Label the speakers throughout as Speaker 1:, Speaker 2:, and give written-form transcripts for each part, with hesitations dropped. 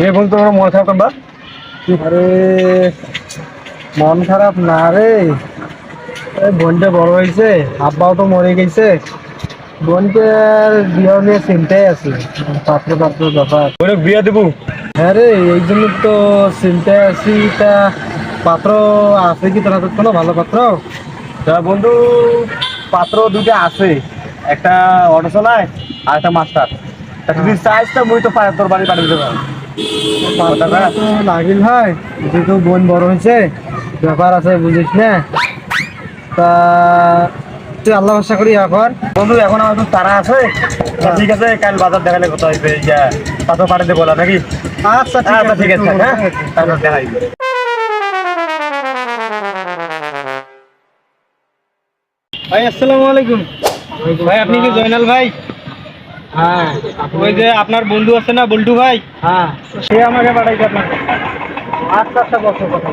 Speaker 1: বলতো ওরা মন খারাপ বা?
Speaker 2: আরে মন খারাপ না রে, বোনটা বড় হয়েছে, আব্বাও তো মরে গেছে, বোনকে আর বিয়ে নিয়ে চিন্তায় আছে, পাত্র পাত্র ব্যাপার।
Speaker 1: ওরা বিয়া দেবো।
Speaker 2: হ্যাঁ রে, এই জন্য তো চিন্তায় আছি। তা পাত্র আছে কি তোর হাতে কোনো ভালো পাত্র?
Speaker 1: তা বন্ধু, পাত্র দুটো আছে, একটা অটো চালায় আর একটা মাস্টার। তা তুই চাইছ তা মুই তো তোর বাড়ি পাঠিয়ে দেবো।
Speaker 2: পাত্র তো লাগিল ভাই, যেহেতু বোন বড় হয়েছে, ব্যাপার আছে বুঝিস না। তা তুই আল্লাহ ভরসা করি এখন।
Speaker 1: বন্ধু এখন আমার তো তারা আছে। তা ঠিক আছে, কাল বাজার দেখালে কথা হইবে, ইয়া পাত্র পাঠিয়ে দেবো না নাকি?
Speaker 2: আচ্ছা
Speaker 1: আচ্ছা ঠিক আছে, হ্যাঁ তারপর দেখাই।
Speaker 3: ভাই আসসালামু আলাইকুম। ভাই আপনি কি জয়নাল ভাই?
Speaker 2: হ্যাঁ
Speaker 3: ওই যে আপনার বন্ধু আছে না বল্টু ভাই,
Speaker 2: হ্যাঁ,
Speaker 3: সে আমাকে পাঠাইছে আপনাকে।
Speaker 2: আচ্ছা আচ্ছা, বসো কথা।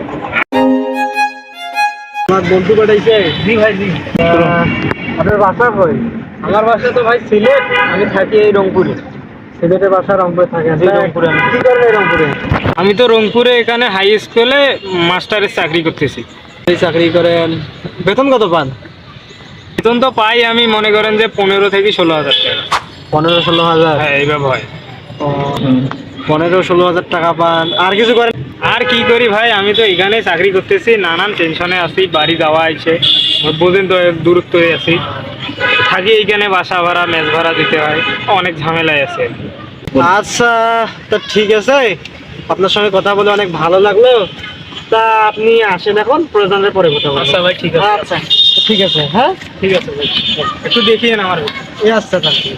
Speaker 3: আমার বন্ধু পাঠাইছে। জি ভাই জি।
Speaker 2: আপনার বাসা কই?
Speaker 3: আমার বাসা তো ভাই সিলেট, আমি থাকি এই রংপুরে।
Speaker 2: সিলেটের বাসা রংপুরে থাকে?
Speaker 3: জি, রংপুরে।
Speaker 2: কি করেন এই রংপুরে?
Speaker 3: আমি তো রংপুরে এখানে হাই স্কুলে মাস্টারের চাকরি করতেছি।
Speaker 2: এই চাকরি করেন, বেতন কত পান?
Speaker 3: বেতন তো পাই আমি মনে করেন যে 15 থেকে 16,000 টাকা।
Speaker 2: 15-16 হাজার?
Speaker 3: হ্যাঁ এইভাবে হয়।
Speaker 2: 15-16 হাজার টাকা পান, আর কিছু করেন?
Speaker 3: আর কি করি ভাই, আমি তো এখানে চাকরি করতেছি, নানান টেনশনে আছি, বাড়ি যাওয়া আছে, বুঝেন তো দূরত্ব আছি, থাকি এইখানে, বাসা ভাড়া মেস ভাড়া দিতে হয়, অনেক ঝামেলায় আছে।
Speaker 2: আচ্ছা, তা ঠিক আছে, আপনার সঙ্গে কথা বলে অনেক ভালো লাগলো। তা আপনি আসেন এখন, প্রয়োজনের পরে কথা বলবো।
Speaker 3: আচ্ছা ভাই ঠিক আছে।
Speaker 2: আচ্ছা ঠিক আছে, হ্যাঁ
Speaker 3: ঠিক আছে ভাই, একটু দেখিয়ে না আমার।
Speaker 2: এই আচ্ছা তাহলে।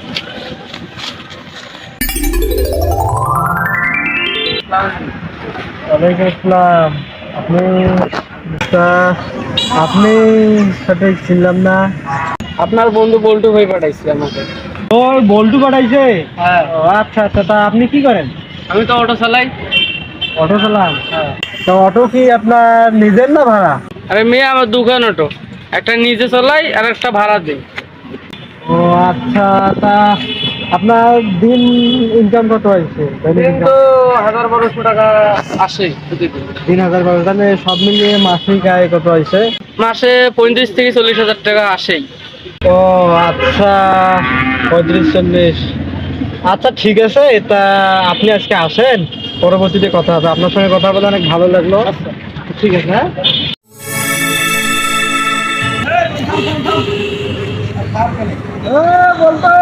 Speaker 2: ওয়ালাইকুম আসসালাম। আপনি তা আপনি সাথে ছিলাম না?
Speaker 3: আপনার বন্ধু বল্টু ভাই পাঠাইছে আমাকে।
Speaker 2: ওই বল্টু পাঠাইছে?
Speaker 3: হ্যাঁ,
Speaker 2: ও আচ্ছা আচ্ছা, তা আপনি কি করেন?
Speaker 3: আমি তো অটো চালাই।
Speaker 2: অটো চালান?
Speaker 3: হ্যাঁ।
Speaker 2: তো অটো কি আপনার নিজের না ভাড়া?
Speaker 3: আরে মেয়ে, আমার দোকান অটো, একটা নিজে চালাই আর একটা ভাড়া দিই।
Speaker 2: ও আচ্ছা, তা আপনার দিন ইনকাম কত হয়েছে?
Speaker 3: কিন্তু 1000-1200 টাকা আসে প্রতিদিন।
Speaker 2: 3,000 তাহলে সব মিলিয়ে মাসিক আয় কত হয়েছে?
Speaker 3: মাসে 35 থেকে 40,000 টাকা আসেই।
Speaker 2: ও আচ্ছা, 35-40। আচ্ছা ঠিক আছে, তা আপনি আজকে আসেন, পরবর্তীতে কথা হবে। আপনার সঙ্গে কথা বলে অনেক ভালো লাগলো। ঠিক আছে, হ্যাঁ। বলতো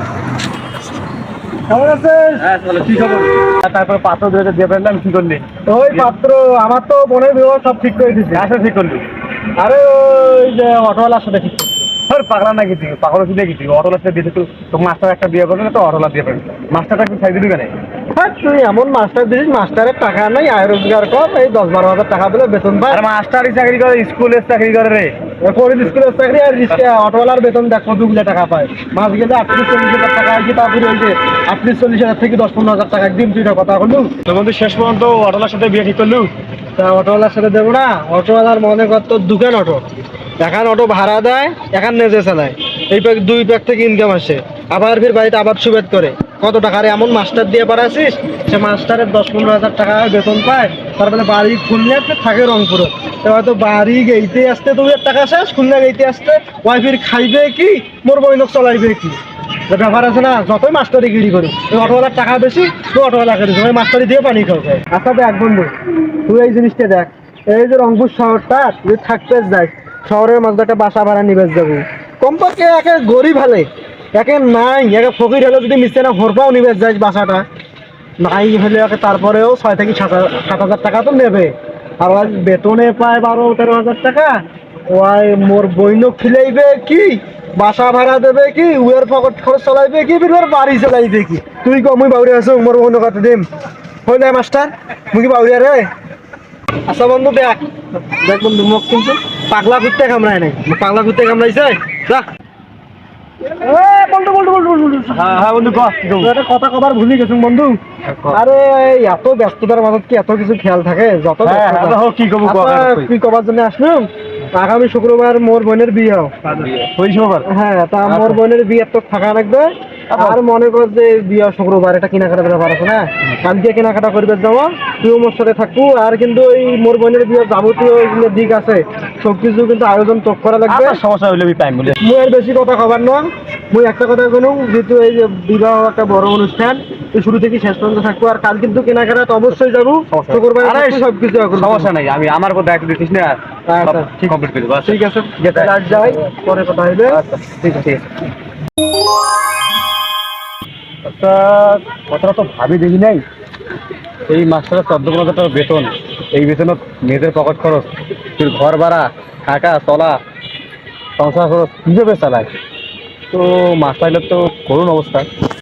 Speaker 2: কেমন আছেন?
Speaker 1: হ্যাঁ চলো, কি খবর? তারপরে পাত্র দুটো দিয়ে ফেললাম, কি করলি?
Speaker 2: ওই পাত্র, আমার তো বোনের বিবাহ সব ঠিক করে দিচ্ছে।
Speaker 1: আসা ঠিক করলি?
Speaker 2: আরে ওই যে অটোওয়ালার সাথে ঠিক করছে।
Speaker 1: তোর পাগলা নাকি তুই? পাগল কি দেখি তুই? অটোলা সাথে দিতে তো মাস্টার একটা বিয়ে করবে না, তো অটোলা দিয়ে ফেলবে। মাস্টারটা একটু ছাই দিবি কেন?
Speaker 2: হ্যাঁ, তুই এমন মাস্টার দিস, মাস্টারের টাকা নেই, আয় রোজগার কম, এই 10-12 হাজার টাকা দিলে বেতন পায়।
Speaker 1: আর মাস্টারই চাকরি করে, স্কুলের চাকরি করে রে।
Speaker 2: করিস স্কুলের চাকরি, আর অটোওয়ালার বেতন দেখ কতগুলো টাকা পায়। মাস গেলে 38-40 হাজার টাকা আছে, তারপরে ওই যে 38-40 হাজার থেকে 10-15 হাজার টাকা একদিন তুই কথা বললু।
Speaker 1: তোর বন্ধু শেষ পর্যন্ত অটোলার সাথে বিয়ে ঠিক করলু?
Speaker 2: তা অটোওয়ালার সাথে দেবো না? অটোওয়ালার মনে কর তোর দোকান অটো, এখন অটো ভাড়া দেয়, এখন নিজে চালায়, এই প্যাক 2 প্যাক থেকে ইনকাম আসে, আবার ফির বাড়িতে আবার সুবেদ করে। কত টাকার এমন মাস্টার দিয়ে পাঠাচ্ছিস, সে মাস্টারের 10-15 হাজার টাকা বেতন পায়, তারপরে বাড়ি খুললে থাকে রংপুরে। তো হয়তো বাড়ি গেইতে আসতে 2 টাকা শেষ, খুলনা গেইতে আসতে ওয়াইফির খাইবে কি, মোর বইনক চলাইবে কি, যে ব্যাপার আছে না। যতই মাস্টারি গিরি করি, ওই অটোওয়ালার টাকা বেশি, তুই অটোওয়ালা করিস, ওই মাস্টারি দিয়ে পানি খাও। আচ্ছা দেখ বন্ধু, তুই এই জিনিসটা দেখ, এই যে রংপুর শহরটা তুই থাকতে যাস, শহরের মধ্যে একটা বাসা ভাড়া নিবে যাবো, কমপক্ষে একে গরিব হলে, একে নাই, একে ফকির হলে যদি মিশে না হরপাও নিবে যাস, বাসাটা নাই হলে একে তারপরেও 6 থেকে 7 হাজার টাকা তো নেবে। আর ওই বেতনে পায় 12-13 হাজার টাকা, ওই মোর বইনক খিলাইবে কি, বাসা ভাড়া দেবে কি, উয়ের পকেট খরচ চালাইবে কি, বির বাড়ি চালাইবে কি। তুই কম মুই বাউরি আছো, মোর বইনক কত দিম হয়ে যায় মাস্টার, মুই কি বাউরিয়া রে? আচ্ছা বন্ধু দেখ, দেখ বন্ধু, মোক কিন্তু পাগলা কুত্তে কামড়ায় নাই, পাগলা কুত্তে কামড়াইছে যা। বন্ধু বন্ধু বন্ধু বন্ধু,
Speaker 1: হ্যাঁ হ্যাঁ বন্ধু, কহ
Speaker 2: একটা কথা কবার ভুলে গেছো বন্ধু। আরে এই এত ব্যস্ততার মাঝে কি এত কিছু খেয়াল থাকে? যত ব্যস্ততা।
Speaker 1: কি কব?
Speaker 2: আচ্ছা, কি কবার জন্য আসলাম, আগামী শুক্রবার মোর বোনের বিয়ে।
Speaker 1: ওই সময়
Speaker 2: হ্যাঁ, তা মোর বোনের বিয়ে তো থাকা লাগবে। আর মনে কর যে বিয়া শুক্রবার এটা কেনাকাটা ব্যাপার আছে না, কালকে কেনাকাটা করবে যাবো, তুইও মোর সাথে থাকবো। আর কিন্তু এই মোর বোনের বিয়ে যাবতীয় এইগুলো দিক আছে, সবকিছু কিন্তু আয়োজন তো করা লাগবে।
Speaker 1: আপনার সমস্যা হইলে আমি টাইম বলে
Speaker 2: মুই আর বেশি কথা খাবার নয়, মুই একটা কথা বলুন, যেহেতু এই যে বিবাহ একটা বড় অনুষ্ঠান, তুই শুরু থেকে শেষ পর্যন্ত থাকবো। আর কাল কিন্তু কেনাকাটা তো অবশ্যই যাবো, শুক্রবার সবকিছু
Speaker 1: সমস্যা নাই, আমি আমার কথা একটু দেখিস না,
Speaker 2: আচ্ছা,
Speaker 1: ঠিক কমপ্লিট করে দেবো। আচ্ছা,
Speaker 2: ঠিক আছে, যেতে আজ যাই, পরে কথা হবে।
Speaker 1: আচ্ছা, ঠিক আছে, ঠিক আছে। আচ্ছা, কথাটা তো ভাবি দেখি নাই, এই মাসটা 14-15 টাকা বেতন, এই বেতনত মেয়েদের পকেট খরচ, তোর ঘর ভাড়া, থাকা চলা, সংসার খরচ কিভাবে চালায়? তো মাস পাইলে তো করুন অবস্থা।